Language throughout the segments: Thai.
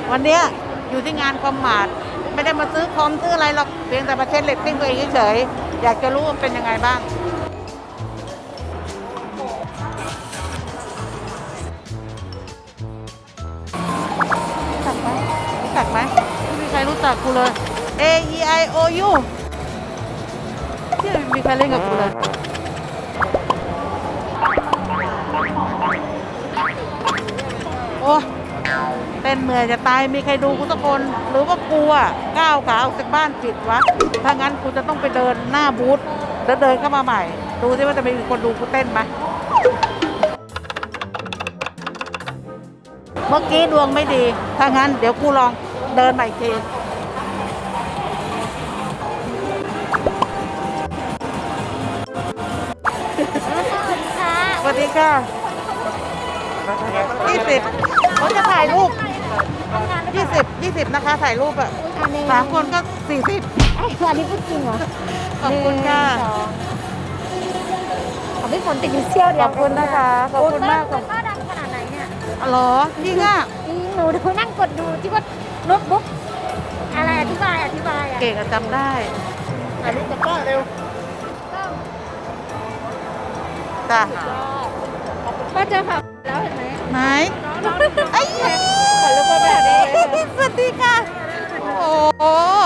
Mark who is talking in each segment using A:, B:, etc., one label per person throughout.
A: วันเนี้ยอยู่ที่งานคอมมาร์ทไม่ได้มาซื้อคอมซื้ออะไรหรอกเพียงแต่มาเช็คเรตติ้งตัวเองเฉยๆอยากจะรู้ว่าเป็นยังไงบ้างรู้จักไหมไม่มีใครรู้จักกูเลย A E I O U ที่ไม่มีใครเล่นกับกูเลยโอ้เต้นเหนื่อยจะตายมีใครดูกูสักคนหรือว่ากูอ่ะก้าวขาออกจากบ้านผิดวะถ้างั้นกูจะต้องไปเดินหน้าบูธแล้วเดินเข้ามาใหม่ดูซิว่าจะมีคนดูกูเต้นไหมเมื่อกี้ดวงไม่ดีถ้างั้นเดี๋ยวกูลองเดินใหม่อีกทีสวัสดีค่ะ20เขาจะถ่ายรูป20นะคะถ่ายรูปอ่ะ3 คนก็40
B: ไอ้อันนี้พูดจริงเหรอ
A: ขอบคุณค่ะ
B: ของพี่ฝนติดอยู่เซี่ยวเดี
A: ข
B: ยว
A: อบคุณนะคะขอบคุณมาก
B: ป้าดังขนาดไหนเนี่ย
A: อ๋อเหรอจริงอ่ะ
B: หนูดูนั่งกดดูที่ว่าโน้ตบุ๊กอะไรอธิบายอ่ะ
A: เก่งอะจำได้ถ่ายรูปกับป้าเร็วจ้ะ
B: ป้าเจอค่ะแล้วเห็นไหม
A: ไหนไอ้ย
B: ขอรูปป้าแบบนี้
A: สวัสดีค่ะโอ้โห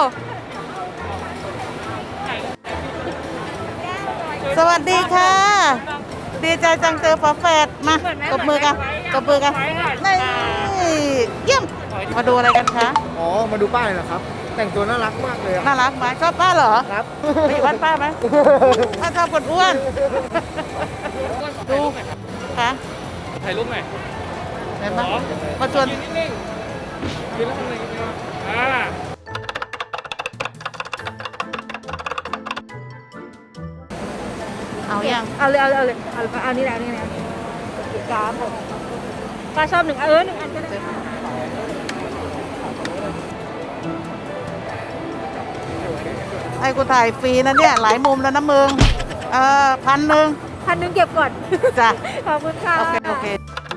A: สวัสดีค่ะดีใจจังเจอฝาแฝดมาตบมือกันนี่เยี่ยมมาดูอะไรกันคะ
C: อ๋อ มาดูป้ายเหรอครับ แต่งตัวน่ารักมากเลยอะ
A: น่ารักไหมชอบป้าเหรอ
C: ครับ
A: ไปอยู่บ้านป้าไหมป้าชอบคนอ้วนดูค่ะ
D: ถ่ายรูปหน่อย
A: เห็นไหมมาชวน
D: ยืนนิ่งๆยืนแล้วทำอะไรกันเนี่ย
A: เอายัง
B: เอานี่แหละกราฟป้าชอบ1 อัน1 อันก็ได้
A: ให้กูถ่ายฟรีนะเนี่ยหลายมุมแล้วนะมึง1,000
B: 1,000เก็บก่อน
A: จ้ะ
B: ขอบคุณค่ะ
A: โอเค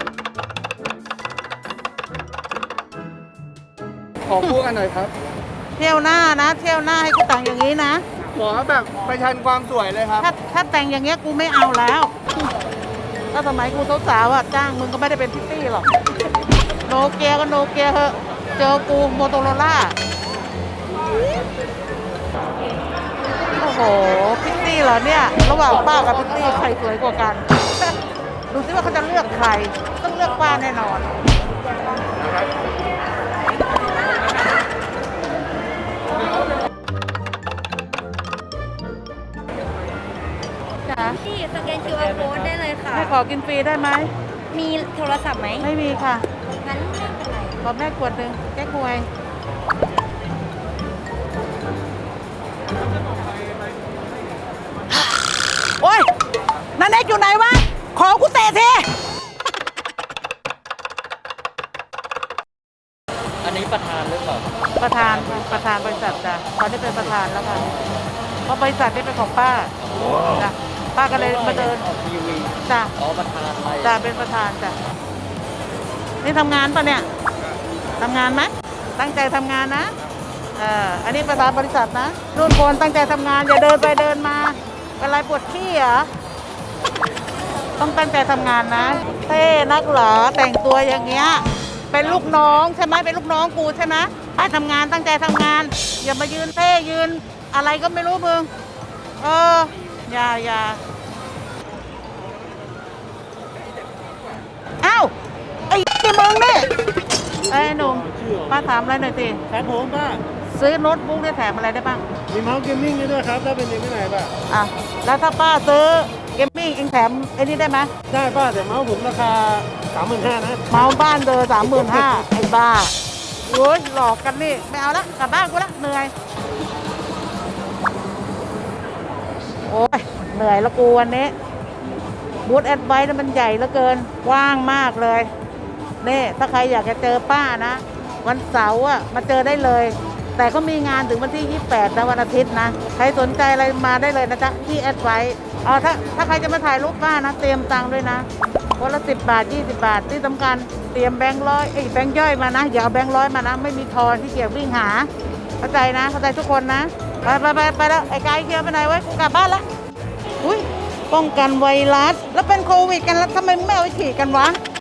C: ขอคู่กันหน่อยครับ
A: เที่ยวหน้านะเที่ยวหน้าให้กูแต่งอย่างนี้นะ
C: ขอแบบประชันความสวยเลยครับ
A: ถ้าแต่งอย่างเงี้ยกูไม่เอาแล้วถ้าสมัยกูสาวๆอ่ะจ้างมึงก็ไม่ได้เป็นพิตตี้หรอกโนเกียก็โนเกียเถอะเจอกูโมโตโรล่าโอ้โหพิตตี้เหรอเนี่ยระหว่างป้ากับพิตตี้ใครสวยกว่ากัน ดูสิว่าเขาจะเลือกใครต้องเลือกป้าแน่นอนจ้ะ
B: ที่สแกน QR code ได้เลยค่ะ
A: ให้ขอกินฟรีได้ไหม
B: มีโทรศัพท์ไหม
A: ไม่มีค่ะ
B: งั้นไม่เป็นไร
A: ขอแม่ขวดหนึ่งแก้ควยโอ้ยนันเอกอยู่ไหนวะ ขอกูเตะที
D: อันนี้ประธานหรือเปล่า
A: ประธานบริษัทจ้ะตอนนี้เป็นประธานแล้วค่ะเพราะบริษัทนี้เป็นของป้าจ้ะป้าก็เลยมาเดิน
D: ออกทีวี
A: จ้ะ
D: อ๋อประธานอะไร
A: จ้ะเป็นประธานจ้ะนี่ทำงานปะเนี่ยทำงานไหมตั้งใจทำงานนะอันนี้ประธานบริษัทนะรุ่นคนตั้งใจทำงานอย่าเดินไปเดินมาเป็นไรปวดขี้เหรอต้องตั้งใจทำงานนะเท่นักเหรอแต่งตัวอย่างเงี้ยเป็นลูกน้องใช่ไหมเป็นลูกน้องกูใช่ไหมไปทำงานตั้งใจทำงาน อย่ามายืนเท่ยืนอะไรก็ไม่รู้มึงอย่าอ้าวไอ้มึงนี่ไอ้หนุ่มป้าถามอะไรหน่อยสิ
C: ครับผมป้า
A: ซื้อโน้ตบุ๊กได้แถมอะไรได้บ้าง
C: มีเมาส์เกมมิ่งด้วยครับ ถ้าเป็นเด็กไม่ไหนป้า
A: อ่ะแล้วถ้าป้าซื้อเกมมิ่งเองแถมไอ้นี่ได้ไหม
C: ได้ป้าแต่เมาส์ผมราคา 35,000นะ
A: เมาส์บ้านเดอ35,000ไอ้บ้าโอ้ยหลอกกันนี่ไม่เอาละกลับบ้านกูละเหนื่อยโอ้ยเหนื่อยละกูวันนี้บูธแอดไวท์มันใหญ่เหลือเกินกว้างมากเลยนี่ถ้าใครอยากจะเจอป้านะ วันเสาร์อ่ะมาเจอได้เลย แต่ก็มีงานถึงวันที่ 28นะวันอาทิตย์นะใครสนใจอะไรมาได้เลยนะจ๊ะที่แอดไวท์ถ้าใครจะมาถ่ายรูปป้านะเตรียมตังค์ด้วยนะคนละ10 บาท20 บาทที่สำคัญเตรียมแบงค์ร้อยแบงค์ย่อยมานะอย่าเอาแบงค์ร้อยมานะไม่มีทอนที่เกียจวิ่งหาเข้าใจนะเข้าใจทุกคนนะไปแล้วไอ้กายเกียวไปไหนไว้กูกลับบ้านละอุ้ยป้องกันไวรัสแล้วเป็นโควิดกันแล้วทำไมไม่เอาไปฉีดกันวะ